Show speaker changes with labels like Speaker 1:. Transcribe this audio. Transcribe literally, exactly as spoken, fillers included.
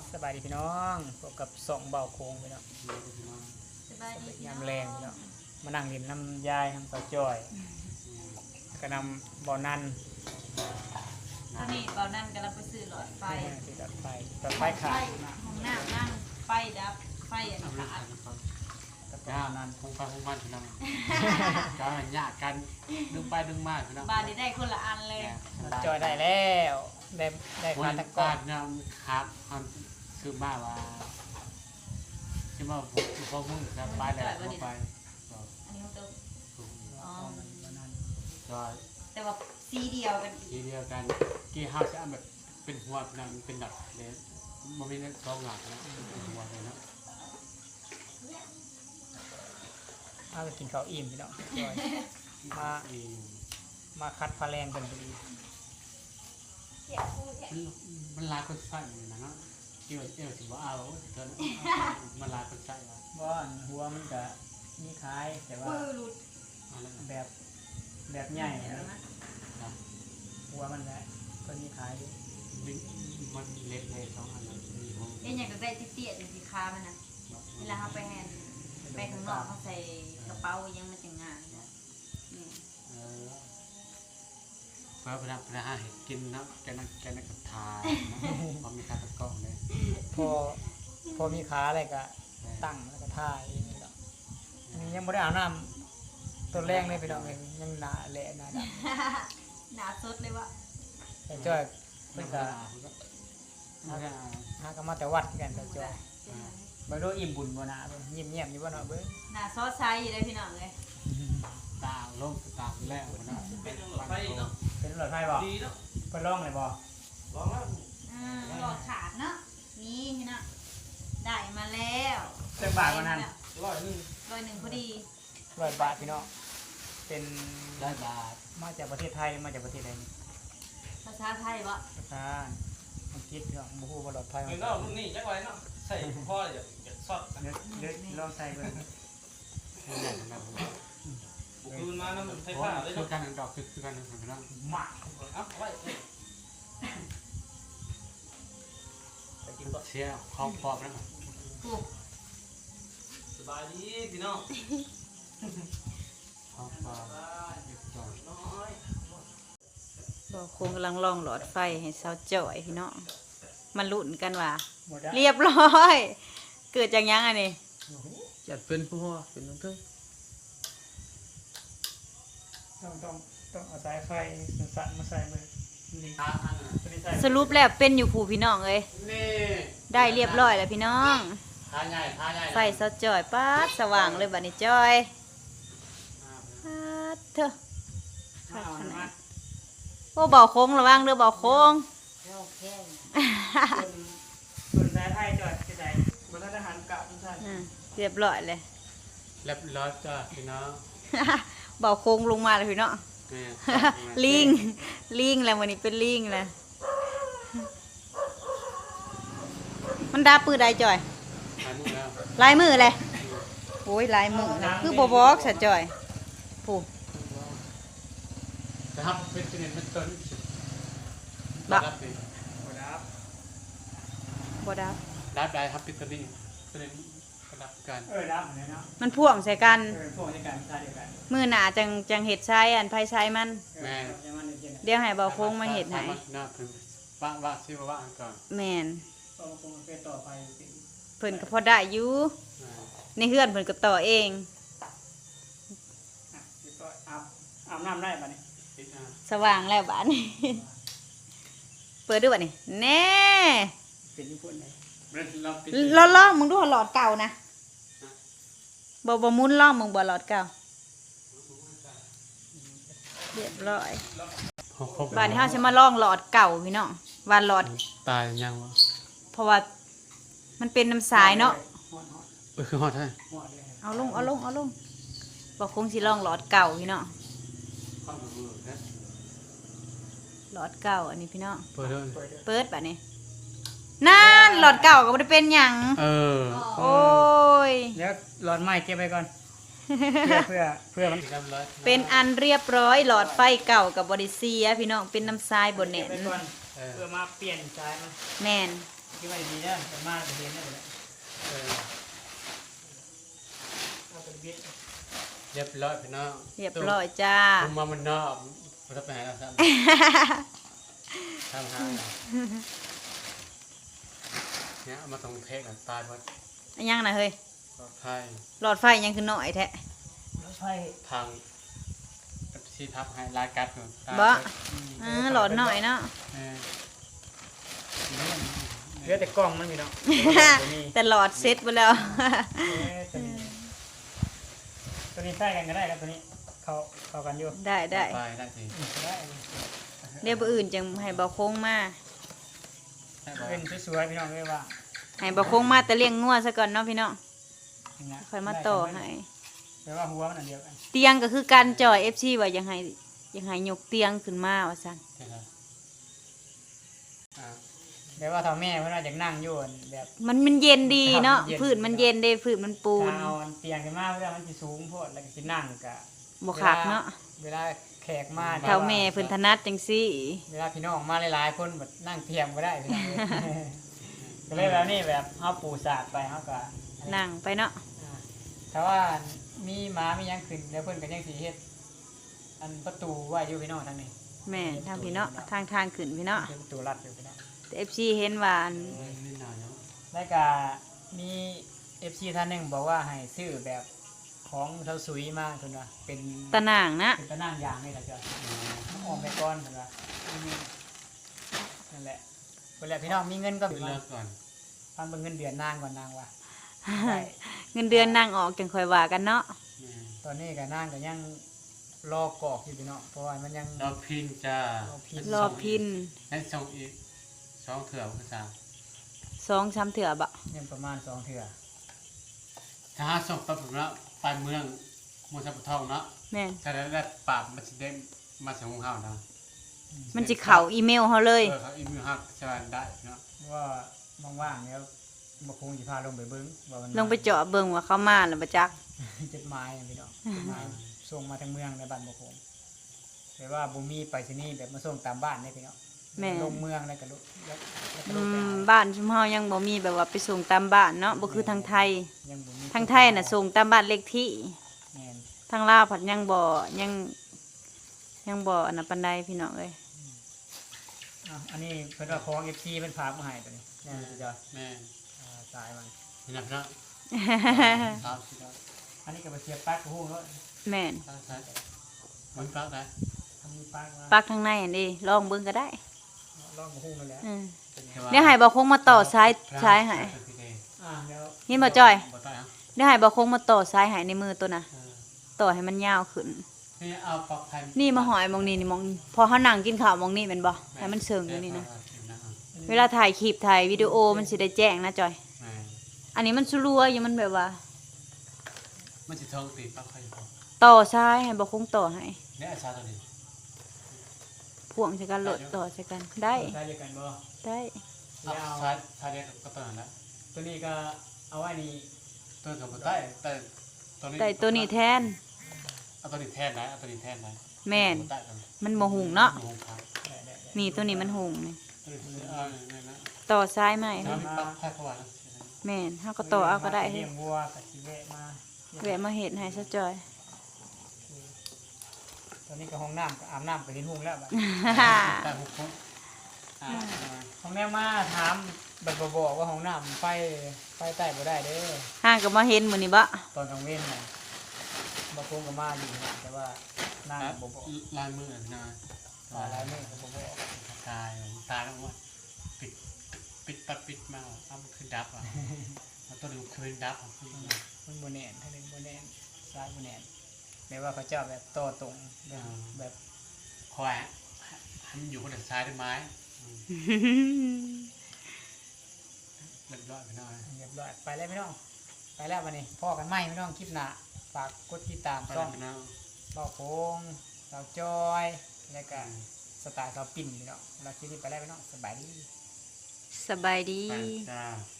Speaker 1: สบายดีพี่น้องพบกับสองเบาโค้งพี่น้อง
Speaker 2: สบายดี
Speaker 1: ยามแรงพี่น้องมานั่งกินน้ำยายน้ำเต้าจ้อยแล้วก็นำบ่อนัน
Speaker 2: ตอนนี้ตอนนั้นกำลังไปซื้อหลอดไฟ
Speaker 1: ติดตัดไฟตัดไฟขาด
Speaker 2: ห้องน้ำนั่งไฟดับไฟอันนี้ขาด
Speaker 1: ตัดบ่
Speaker 3: ย่า
Speaker 1: อนัน
Speaker 3: คงไปคงมันพี่น้องก็ยากกันดึงไปดึงมาพี่น้อง
Speaker 2: บ้านนี้ได้คนละอันเลย
Speaker 1: จ้อยได้แล้วได้ได้
Speaker 3: ค
Speaker 1: คาน ตะก
Speaker 3: บ้า
Speaker 1: อน
Speaker 3: นเนี่ยครับมันคือมาว่าใช่ไหมผมพอมึงจะไปแล้วก็ไป
Speaker 2: อันนี้เขาตัวอ๋อ
Speaker 3: ก็
Speaker 2: แต่ว่าสีเดียวกัน
Speaker 3: ทีเดียวกันกี่ห้าจะแบบเป็นหัวนั่นเป็นดับเลยมันไม่ได้สองหลักนะเป็นหัวเลยนะ
Speaker 1: เอาไปกินข้าวอิ่มพี่น้องจ้อยมา
Speaker 3: อืม
Speaker 1: มาคัดพาแรงกันพอดี
Speaker 3: มันลายคนใส่นะเนาะเกี่ยวเกี่ยวสิว่าเอาเธอมันลายคนใส่ว่า
Speaker 1: ว่าหัวมันก็มีคล้ายแต่ว่า
Speaker 2: ปื้อหลุด
Speaker 3: อะไร
Speaker 1: แบบแบบใหญ่นะ
Speaker 3: นะ
Speaker 1: หัวมันแหละก็มีคล้ายอยู่
Speaker 3: มันเล็กเลยสองอันเลยมีห้อง
Speaker 2: เอ็นอยากจะได้เตี้ยๆสีค้ามันนะเวลาเขาไปแฮนไปข้างนอกเขาใส่กระเป๋ายังมันจะง่ายนะนี่
Speaker 3: เออเพื่อพนักพนักให้กินนะแกนักแกนักกระทายพอมีคาตะกองเลย
Speaker 1: พอพอมีขาอะไรก็ตั้งแล้วก็ท่าเองนี่แหละอันนี้ยังไม่ได้อาบน้ำตัวแรกเลยไปลองเองยังหนาแหละหนาด
Speaker 2: หนาสดเลยวะ
Speaker 1: ำแต่จ้อยเพิ่นก็หาก็มาแต่วัดกันแต่จ้อยบ่รู้อิ่มบุญบ่นะเบิ่งยิ้มแย้มอยู่บ่เนาะเบิ่ง
Speaker 2: หนาซอสไซส์อยู่ได้พี่น้องเลย
Speaker 3: ตาลงตาแล้วนะเป็นหลอดไฟเนาะ
Speaker 1: เป็นรถไฟบ่
Speaker 3: ดีเนาะ
Speaker 1: เพิ่นร้องเลยบ่
Speaker 3: ลองแล้ว
Speaker 2: อ่าหลอดขาดเนาะนี่พี่น้องได้มาแล้ว
Speaker 1: เรื่องบาทวันนั้น
Speaker 3: ร้อยนึง
Speaker 2: ร้อยหนึ่งพอดี
Speaker 1: ร้อยบาทพี่น้องเป็น
Speaker 3: ได้บาท
Speaker 1: มาจากประเทศไทยมาจากประเทศใดนี่
Speaker 2: ภาษาไทยบ่
Speaker 1: ประธานอังกฤษพี่น้องบ่ฮู้ว่าปลอดภัย
Speaker 4: เงินก็รุ่นนี้จักไว้เนาะใส่พ่ออย่าอย่าซอด
Speaker 1: เดี๋ยวเดี๋ยวลองใส่เบิ่ง
Speaker 3: นี่แหละนะ
Speaker 4: บุกรุนมานะมันไฟ
Speaker 3: เพราะ
Speaker 4: ฟ้าเลย
Speaker 3: คือ
Speaker 4: เนาะ
Speaker 3: การดอกคือคือการทำนะ
Speaker 1: มา
Speaker 4: เอ้าไว้ไปกินก่อน
Speaker 3: เชียร์ครอบครอบนะ
Speaker 2: ถูก
Speaker 4: สบายดีพี่น้อง
Speaker 3: ครอบครอบ
Speaker 4: น้อย
Speaker 2: บอกคงกำลังลองหลอดไฟให้สาวจ่อยพี่น้องมาลุ้นกันว่า
Speaker 1: หมดแล้ว
Speaker 2: เรียบร้อย เกิดจากยังไงนี่
Speaker 3: จัดเป็นผู้ว่าเป็นน้องเต้ย
Speaker 1: ต้องต้องต้องเอาสายไฟสั่นๆมาใส่มือนี่
Speaker 3: ตาอันน่ะ
Speaker 1: ตัวนี้ใส่
Speaker 2: สรุปแล้วเป็นอยู่ผู้พี่น้องเอ้ย
Speaker 3: นี่
Speaker 2: ได้เรียบร้อยแล้วพี่น้อง
Speaker 3: ทาใหญ่ทาใหญ่
Speaker 2: ไฟสาวจ่อยป๊าดสว่างเลยบัดนี้จ่อยป๊าดเถอะ
Speaker 1: เอาอันนั้น
Speaker 2: โอ้เบาโค้งระวังเด้อเบาโค้ง
Speaker 1: ส่วนส่วนสายไฟจอดที่ไหนบนทหารเก่าทุกท่าน
Speaker 2: อืมเรียบร้อยเลย
Speaker 3: เรียบร้อยจ้าพี่น้อง
Speaker 2: เบาโค้งลงมาเลยพี่น้อง
Speaker 3: แม่
Speaker 2: ลิง ลิงแล้ววันนี้เป็นลิงแล้วมันดาปืนใดจ่อย
Speaker 3: ทานนี่แล้ว
Speaker 2: ลายมือเลยโอ้ยลายมือนะคือโบบอกสะจ่อยผู้
Speaker 3: จะทำเป็นเป็นเป็นต้น
Speaker 2: บะ
Speaker 3: รับเป็น
Speaker 1: หมดแล้ว
Speaker 2: บดับ
Speaker 3: รับได้ครับเป็นต้นนี้ต้นนี้รับกัน
Speaker 1: เออดับเหมือนกันเนาะ
Speaker 2: มันพ่วงใส่กัน
Speaker 1: เออพวกในการใช้เดียวกัน
Speaker 2: มือหนาจังจังเห็ดใช้อันไฟใช้มัน
Speaker 1: เออจะมันเย็นๆ
Speaker 2: เดี๋ยวให้เบาโค้งมาเห็ดให้
Speaker 3: น่าคือว่าว่าชื่อว่าว่าก่อน
Speaker 2: แมน
Speaker 1: ก็คงเป็นต่อไปสิ
Speaker 2: เพิ่นก็พอได้อยู่ในเฮือนเพิ่นก็ต่อเอง
Speaker 1: อ่ะเดี๋ยวก็อาบอาบน้ำได้ป่ะนี่
Speaker 3: ติดอ่ะ
Speaker 2: สว่างแล้วบ้านนี้ เปิดด้วยบ้านี้แน่
Speaker 1: เป็นญี่ปุ่นเลย
Speaker 3: เราปิด
Speaker 2: เราล่องมึงดูหลอดเก่านะบ่บ่มุนล่องมึงบ่หลอดเก่าเรียบร้อยบ้านนี้เฮาสิมาล่องหลอดเก่าพี่น้องว่าหลอด
Speaker 3: ตายยังวะ
Speaker 2: เพราะว่ามันเป็นน้ำสายเนาะ
Speaker 1: หอดหอด
Speaker 3: เออคือฮอดใช่
Speaker 1: หอดเลย
Speaker 2: เอาลงเอาลงเอาลงบ่คงสิล่องหลอดเก่าพี่น้อง
Speaker 3: ข้าวหมูนะ
Speaker 2: หลอดเก่าอันนี้พี่น้อง
Speaker 3: เปิดเลย
Speaker 1: เปิดเลย
Speaker 2: เปิดบัดนี้นั่นหลอดเก่าก็บ่ได้เป็นหยัง
Speaker 3: เออ
Speaker 2: โอ้ย
Speaker 1: เดี๋ยวหลอดไม้เก็บไว้ก่อน เพื่อเพื่อเพื่อมัน
Speaker 3: เรียบร้อย
Speaker 2: เป็นอันเรียบร้อยหลอดไฟเก่ากับบริเซียพี่น้องเป็นน้ำทรายบน
Speaker 1: เก็
Speaker 2: เน็
Speaker 1: บ
Speaker 2: ต
Speaker 1: ไว้ก่อน
Speaker 3: เออ
Speaker 1: เพื่อมาเปลี่ยนสายมัน
Speaker 2: แมน
Speaker 1: มคิดว่าดีนะแต่มากจะเห็นได้เลย
Speaker 3: เออ
Speaker 1: เอาไปบิด
Speaker 3: เรียบร้อยพี่น้อง
Speaker 2: เรียบร้อยจ้า
Speaker 3: ผมมามันนอกมันจะไปหาเราซ้ำทำหาเนี่ยเอามาตรงเพกตายหมด
Speaker 2: อันยังนะเฮ้ย
Speaker 3: ปลอดภัย
Speaker 2: หลอดไฟยังคือหน่อยแท้
Speaker 1: รถไฟ
Speaker 3: พังซีทับให้ลายกัดอยู่ตาย
Speaker 2: บ่
Speaker 3: อืม
Speaker 2: อ่าหลอดหน่อยเนาะ
Speaker 3: เออ
Speaker 1: เหลือแต่กล้องมันมีเนาะ
Speaker 2: แต่หลอดเซ็ตไปแล้ว
Speaker 1: ตัวนี้ตัวนี้ใส่กันก็ได้ครับตัวนี้เขาเขากันอยู่
Speaker 2: ได้ได้
Speaker 3: ไปได้สิ
Speaker 1: ได้
Speaker 2: เดี๋ยวบ่อื่นจังให้เบาโค้งมา
Speaker 3: ได้บ่
Speaker 1: เป็นสวยๆพี่น้องเลยว่า
Speaker 2: ให้เบาโค้งมาแต่เลี้ยงงัวซะก่อนเนาะพี่น้อง
Speaker 1: นี่นะ
Speaker 2: ค่อยมาต่อให้
Speaker 1: แปลว่าหัวมันอันเดียวกัน
Speaker 2: เตียงก็คือการจ่อย เอฟ ซี ว่ายังให้ยังให้ยกเตียงขึ้นมาว่าซั่น
Speaker 3: ใช่ครับอ่า
Speaker 1: แปลว่าถ้าแม่เพิ่นว่าอยากนั่งอยู่แบบ
Speaker 2: มันมันเย็นดีเนาะ
Speaker 1: ครับเย็น
Speaker 2: พื้นมันเย็นเด้พื้นมันปูน
Speaker 1: ถ้าเอาเตียงขึ้นมาเพื่อมันสิสูงโพดแล้วก็สินั่งก็
Speaker 2: บ่คักเนาะ
Speaker 1: เวลาแขกมา
Speaker 2: เฒ่าแม่เพิ่นถนัดจังซี่
Speaker 1: เวลาพี่น้องมาหลายๆคนแบบนั่งเทียมก็ได้พี่น้องก็เลยแบบนี้แบบเฮาปูสาดไปเฮาก็
Speaker 2: นั่งไปเนาะ
Speaker 1: อ่าแต่ว่ามีหมามีหยังขึ้นแล้วเพิ่นก็ยังสิเฮ็ดอันประตูไว้อยู่พี่น้องทางนี้
Speaker 2: แม่นทางพี่เนาะทางทางขึ้นพี่เนาะ
Speaker 1: เป็นประตูลัดอยู่พี่น้อง
Speaker 2: แต่ เอฟ ซี เห็นว่าอัน
Speaker 3: เออนิดหน่อยเนาะ
Speaker 1: แล้วก็มี เอฟ ซี ท่านหนึงบอกว่าให้ซื้อแบบของเซาซุยมาเพิ่นว่าเป็น
Speaker 2: ตะนางนะ
Speaker 1: เป็นตะนางยางนี่ล่ะจ้ะ
Speaker 3: อืม
Speaker 1: น้ำออมไปก่อนเพิ่นว่านั่นแหละเพิ่นแหละพี่น้องมีเงินก็
Speaker 3: ขึ้น
Speaker 1: มา
Speaker 3: เลิกก่อน
Speaker 1: ฟังเบิ่งเงินเดือนนางก่อนนางว่าได้
Speaker 2: เงินเดือนนางออกจังค่อยว่ากันเนาะ
Speaker 3: อืม
Speaker 1: ตอนนี้ก็นางก็ยังรอกรอกอยู่พี่น้องเพราะว่ามันยัง
Speaker 3: รอพินจ้าร
Speaker 1: อพิณ
Speaker 2: รอพิน
Speaker 3: ให้ส่งอีกสองเถื่อภาษา
Speaker 2: สองสามเถื่อบ่
Speaker 1: ยังประมาณสองเทื่อ
Speaker 3: ถ้าหาส่งไปผมแล้วไปเมืองเมืองสัปทองเนาะ
Speaker 2: แม่น
Speaker 3: ถ้าได้ได้ปราบมันจะได้มาส่งของเฮานะ
Speaker 2: มันสิเข้าอีเมลเฮาเลย
Speaker 3: เออเขาอีเมลฮักจะได้เนาะ
Speaker 1: ว่าว่างๆแล้วบ่คงสิพาลงไปเบิ่งว่ามัน
Speaker 2: ลงไปเจาะเบิ่งว่าเข้ามาแล้วบ่จัก
Speaker 1: จดหมายอะพี่น้องจดหมายส่งมาทางเมืองในบ้านบ่คงแต่ว่าบ่มีไปรษณีย์แบบมาส่งตามบ้านได้พี่น้อง
Speaker 2: แม่
Speaker 1: ลงเมืองแล้วก็ลุแล้วแล้วก็ล
Speaker 2: อื
Speaker 1: งไป
Speaker 2: ม
Speaker 1: เอา
Speaker 2: บ้านชุมเฮายังบ่มีแบบว่าไปส่งตามบ้านเนาะบ่คือทางไทย
Speaker 1: ยังบ่มี
Speaker 2: ทางไทยน่ะส่งตามบ้านเลขที่
Speaker 1: แม่น
Speaker 2: ทางลาวผัดยังบ่ยังยังบ่อันนั้นปานใดพี่น้องเอ้ย
Speaker 1: อ่ะอันนี้เพิ่นว่าของ เอฟ ซี เพิ่นฝากมาให้ตัวนี้แม่นสิจ้ะ
Speaker 3: แม่
Speaker 1: อ่าสายมัน
Speaker 3: นี่นะพี่น้องตามสิครับ
Speaker 1: อันนี้ก็ไปเสียบปลั๊กกับฮู้แล้ว
Speaker 2: แม่น
Speaker 3: ตามใช่มันปลั๊กได้
Speaker 1: ทำมีปลั๊กมา
Speaker 2: ปักทางในอันนี้ลองเบิ่งก็ได้
Speaker 1: ลองกับฮู้นั่นแหละ
Speaker 2: อืม
Speaker 3: แต่ว่า
Speaker 2: เดี๋ยวให้บ่คงมาต่อสายสายให้
Speaker 1: อ่าแล้ว
Speaker 2: นี่บ่จ้อย
Speaker 3: บ่ต้องเอา
Speaker 2: เดี๋ยวให้บ่คงมาต่อสายให้ในมือตัวน่ะ
Speaker 3: เออ
Speaker 2: ต่อให้มันยาวขึ้น
Speaker 3: นี่เอาปลั๊กไทย
Speaker 2: นี่มาหอยมองนี่นี่มองพอเขานั่งกินข้าวมองนี่แมันบ่ให้มันเชิงอยู่นี่นะเวลาถ่ายคลิปถ่ายวิดีโอมันสิได้แจ้งนะจอย
Speaker 3: แม่
Speaker 2: อันนี้มันสลัวอยู่มันแบบว่า
Speaker 3: มันจะทองตีปลั๊กไฟอยู่บ่
Speaker 2: ต่อซ้ายให้บ่คงต่อให้
Speaker 3: เนี่ยอาชาตัวนี้
Speaker 2: พ่วงใส่กันโหลดต่อใส่กันได้
Speaker 1: ใช้เดียวกันบ่
Speaker 2: ได้
Speaker 3: เอา
Speaker 1: แล้ว
Speaker 3: ซ้ายซ้ายเดียวก็ตัวนั้นแหละ
Speaker 1: ตัวนี้ก็เอาไว้นี่
Speaker 3: ตัวกับบ่ได้แต่ตัวนี้
Speaker 2: แต่ตัวนี้แทน
Speaker 3: เอาตัวนี้แทนได้เอาตัวนี้แทนได้
Speaker 2: แม่น
Speaker 3: บ่ได้ตัวนี้
Speaker 2: มันบ่หุงเนาะ
Speaker 3: บ่หุงครับ
Speaker 1: ได้ได้ได้
Speaker 2: นี่ตัวนี้มันหุงนี่
Speaker 3: ตัวนี้เอาเนี่ยนะ
Speaker 2: ต่อซ้ายไหม
Speaker 3: ถ้ามีปลั๊กไฟเข้ามานะ
Speaker 2: แม่นเฮาก็ต่อเอาก็ได้
Speaker 1: เลี้ยงวัวกับสิแวะมา
Speaker 2: แวะมาเฮ็ดให้ซะจอย
Speaker 1: ตอนนี้ก็ห้องน้ำก็อาบน้ำไปที่ทุ่งแล้วบัด
Speaker 3: แต่หุงคนอ่า
Speaker 1: ห้องแม่มาถามบัดบ่บอกว่าห้องน้ำไฟไฟใต้บ่ได้เด้อ
Speaker 2: ห่างก็มาเห็นมื้อนี้บ่
Speaker 1: ตอนกลางเว้นน่ะบ่คงก็มาอยู่นะแต่ว่านั่งบ่บอก
Speaker 3: ลายมือนะ
Speaker 1: ว่าหลายมื้อก็บ่บอก
Speaker 3: ตายตายแล้วว่าปิดปิดปัดปิดมาเอามันคือดับอ่ะแล้วตัวนี้คือดับอ่ะ
Speaker 1: มันบ่แน่นถ้านึงบ่แน่นซ้ายบ่แน่นแม้ว่าเขาเจ้าแบบต่อตรงแบบแบบ
Speaker 3: คอยให้มันอยู่คนละซ้ายได้ไหมเรียบร้อยไปหน่อย
Speaker 1: เรียบร้อยไปแล้วพี่น้องไปแล้วบัดนี้พ่อกันใหม่พี่น้องคลิปหน้าฝากกดติดตาม
Speaker 3: ไป
Speaker 1: ช่
Speaker 3: แล้
Speaker 1: อ
Speaker 3: ว
Speaker 1: ง
Speaker 3: พี่น้อง
Speaker 1: เบาโค้งเบาจอยแล้วก็สไตล์เบาปิ่นพี่น้องเราคลิปนี้ไปแล้วพี่น้องสบายดี
Speaker 2: สบายดี
Speaker 3: ไปจ้า